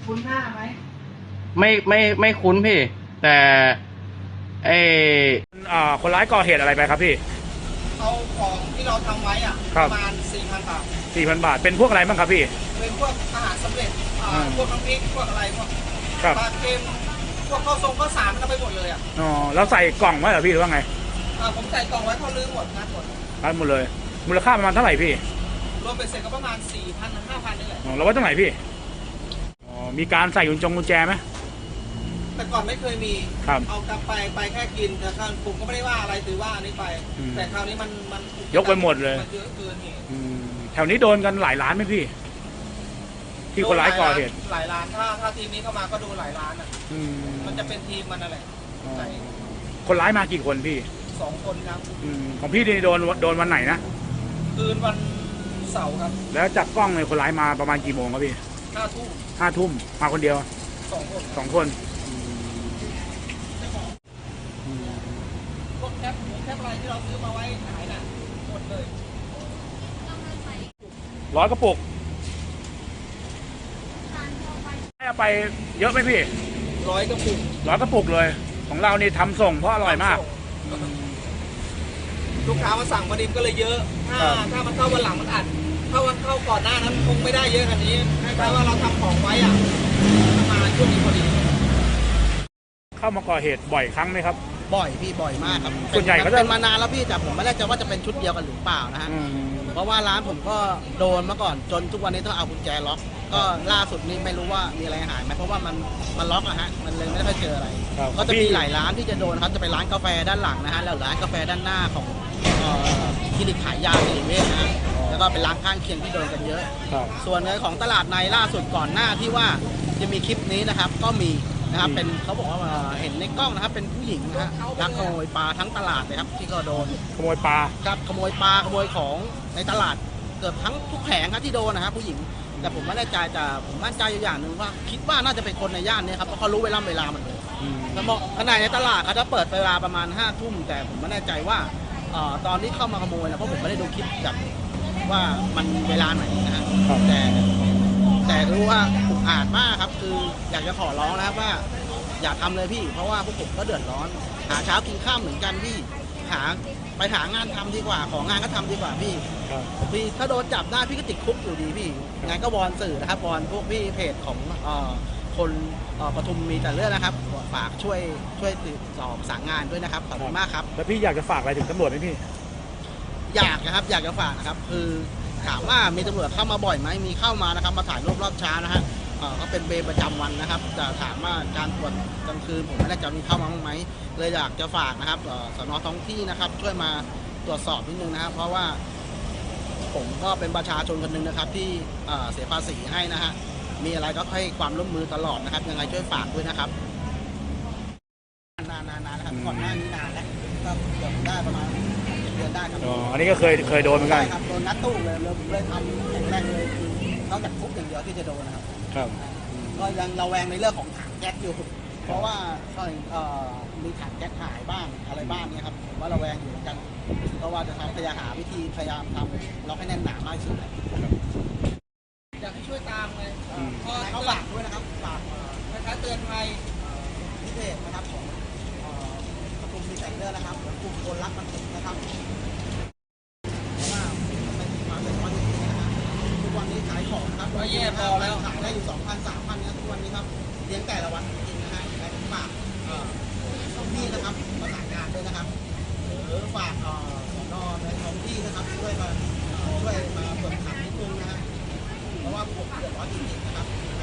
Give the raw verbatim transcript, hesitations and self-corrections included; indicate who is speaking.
Speaker 1: คุ้นหน้าไหม
Speaker 2: ไม่ไม่ไม่คุ้นพี่ แต่ไอ
Speaker 3: อ่าคนร้ายก่อเหตุอะไรไปครับพี่
Speaker 1: เอาของที่เราทำไว้อ่ะประมาณสี่พันบาท
Speaker 3: สี่พันบาทเป็นพวกอะไรบ้างครับพี่
Speaker 1: เป็นพวกอาหารสำเร็จพวกน้ำพริกพวกอะไรพวก
Speaker 3: ป
Speaker 1: ลาเค็มพวกข้าวทรงข้าวสารก็ไปหมดเลยอ่ะ
Speaker 3: อ๋อแล้วใส่กล่องไว้เหรอพี่หรือว่าไง
Speaker 1: อ่าผมใส่กล่องไว้เขาลื้อหมดงัดหมด
Speaker 3: งัดหมดเลยมูลค่าประมาณเท่าไหร่พี่
Speaker 1: รวมเป็นเสร็จก็ประมาณสี่พันถึงห้าพันนี่แหละ
Speaker 3: อ๋อแล้วไว้ตรงไหนพี่อ๋อมีการใส่กุญจงกุญแจไหม
Speaker 1: แต่ก่อนไม่เคยมีเอากลับไปไปแค่กินแต่ครั้งผมก็ไม่ได้ว่าอะไรถือว่าอันนี้ไปแต่คราวนี้มันมัน
Speaker 3: ยกไปหมดเลย
Speaker 1: มันเยอะเกินเหตุ
Speaker 3: แถวนี้โดนกันหลายล้านไหมพี่ที่คนร้ายก่อเหตุ
Speaker 1: หลายล้านถ้าถ้าทีมนี้เข้ามาก็โดนหลายล้านอ่ะมันจะเป็นทีมมันอะไร
Speaker 3: คนร้ายมากี่คนพี่
Speaker 1: สองคนครับ
Speaker 3: ของพี่โดนโดนวันไหนนะ
Speaker 1: คืนวันเสาร์ครับ
Speaker 3: แล้วจากกล้องเลยคนร้ายมาประมาณกี่โมงครับพี่
Speaker 1: ห้าทุ่ม
Speaker 3: ห้าทุ่มมาคนเดียว
Speaker 1: สองคน
Speaker 3: สองคน
Speaker 1: พวกแคปแคปอะไรที่เราซื้อมาไว้ขายน่ะหมดเลย
Speaker 3: ร้อยกระปุกให้เอาไปเยอะไหมพี่
Speaker 1: ร้อยกระปุก
Speaker 3: ร้อยกระปุกเลยของเรานี่ทำส่งเพราะอร่อยมาก
Speaker 1: ลูกค้ามาสั่งประดิษฐ์ก็เลยเยอะถ้าถ้ามันเข้าวันหลังมันอัดถ้าวันเข้าก่อนหน้านั้นคงไม่ได้เยอะขนาดนี้แค่ว่าเราทำของไว้อ่ะมาช่วงนี้พอดี
Speaker 3: เข้ามาก่อเหตุบ่อยครั้งไหมครับ
Speaker 1: บ่อยพี่บ่อยมากครับ
Speaker 3: ส่วนใหญ่ก็จะ
Speaker 1: เป็นมานานแล้วพี่แต่ผมไม่แน่ใจว่าจะเป็นชุดเดียวกันหรือเปล่านะฮะเพราะว่าร้านผมก็โดนมาก่อนจนทุกวันนี้ต้องเอากุญแจล็อกก็ล่าสุดนี้ไม่รู้ว่ามีอะไรหายไหมเพราะว่ามันมันล็อกอะฮะมันเลยไม่ได้เจออะไรก็จะมีหลายร้านที่จะโดนครับจะเป็นร้านกาแฟด้านหลังนะฮะแล้วร้านกาแฟด้านหน้าของคลินิกขายยาสิริเวชนะฮะแล้วก็เป็นร้านข้างเคียงที่โดนกันเยอะส่วนในของตลาดในล่าสุดก่อนหน้าที่ว่าจะมีคลิปนี้นะครับก็มีนะครับเป็นเขาบอกว่าเห็นในกล้องนะครับเป็นผู้หญิงนะฮะลักขโมยปลาทั้งตลาดเลยครับที่ก็โดน
Speaker 3: ขโมยปลา
Speaker 1: ครับขโมยปลาขโมยของในตลาดเกือบทั้งทุกแผงครับที่โดนนะครับผู้หญิงแต่ผมไม่แน่ใจแต่ผมมั่นใจอย่างหนึ่งว่าคิดว่าน่าจะเป็นคนในย่านนี้ครับเพราะเขารู้เวลาเวลามันเลยแล้วบอกขนาดในตลาดเขาจะเปิดเวลาประมาณห้าทุ่มแต่ผมไม่แน่ใจว่าตอนที่เข้ามาขโมยนะเพราะผมไม่ได้ดูคลิปแบบว่ามันเวลาไหนนะฮะแต่แต่รู้ว่าอุกอาจมากครับคืออยากจะขอร้องนะครับว่าอย่าทำเลยพี่เพราะว่าพวกผมก็เดือดร้อนหาเช้ากินข้าวเหมือนกันพี่หาไปหางานทำดีกว่าของานก็ทำดีกว่าพี่พี่ถ้าโดนจับได้พี่ก็ติดคุกอยู่ดีพี่งั้นก็วอนสื่อนะครับวอนพวกพี่เพจของคนปทุมมีแต่เรื่องนะครับฝากช่วยช่วยติดสอบสั่งงานด้วยนะครับขอบคุณมากครับ
Speaker 3: แล้วพี่อยากจะฝากอะไรถึงตำรวจไหมพี่
Speaker 1: อยากนะครับอยากจะฝากนะครับคือถามว่ามีตำรวจเข้ามาบ่อยไหมมีเข้ามานะครับมาถ่ายรูปรอบเช้านะฮะก็เป็นเบรประจำวันนะครับแต่ถามว่าการตรวจกลางคืนผมไม่ได้จะมีเข้ามาบ้างไหมเลยอยากจะฝากนะครับสน.ท้องที่นะครับช่วยมาตรวจสอบนิดนึงนะครับเพราะว่าผมก็เป็นประชาชนคนหนึ่งนะครับที่เสียภาษีให้นะฮะมีอะไรก็ให้ความร่วมมือตลอดนะครับยังไงช่วยฝากด้วยนะครับนานๆนะครับก่อนหน้านี้นานแล้วก็เกือบได้ประมาณเดือนได้ครับ
Speaker 3: อ๋ออันนี้ก็เคยเคยโดนเหมือนกัน
Speaker 1: ครับโดนนัดตู้เลยเลยทำแข็งแรงเลยคือนอกจากคุกอย่างเดียวที่จะโดนนะครับ
Speaker 3: ครับ
Speaker 1: ก็ยังระแวงในเรื่องของถังแก๊สอยู่เพราะว่าก็มีถังแก๊สหายบ้างอะไรบ้างเนี่ยครับผมว่าระแวงอยู่เหมือนกันเพราะว่าจะทำพยายามหาวิธีพยายามทำล็อกให้แน่นหนามากที่สุดอยากให้ช่วยตามเลยก็เขาฝากด้วยนะครับฝากคล้ายๆเตือนภัยพิเศษนะครับของปทุมมีแต่เรื่องนะครับกลุ่มคนรักมันติดนะครับขายของครับก็แย่พอแล้วขายได้อยู่สองพันสามพันนะทุกวันนี้ครับเลี้ยงแต่ละวันจริงๆนะฮะแต่ผมฝากพี่นะครับประสานงานด้วยนะครับหรือฝากสน.ในท้องที่นะครับช่วยมาช่วยมาเปิดขับนิดนึงนะฮะเพราะว่าผมเดือดร้อนจริงๆนะครับ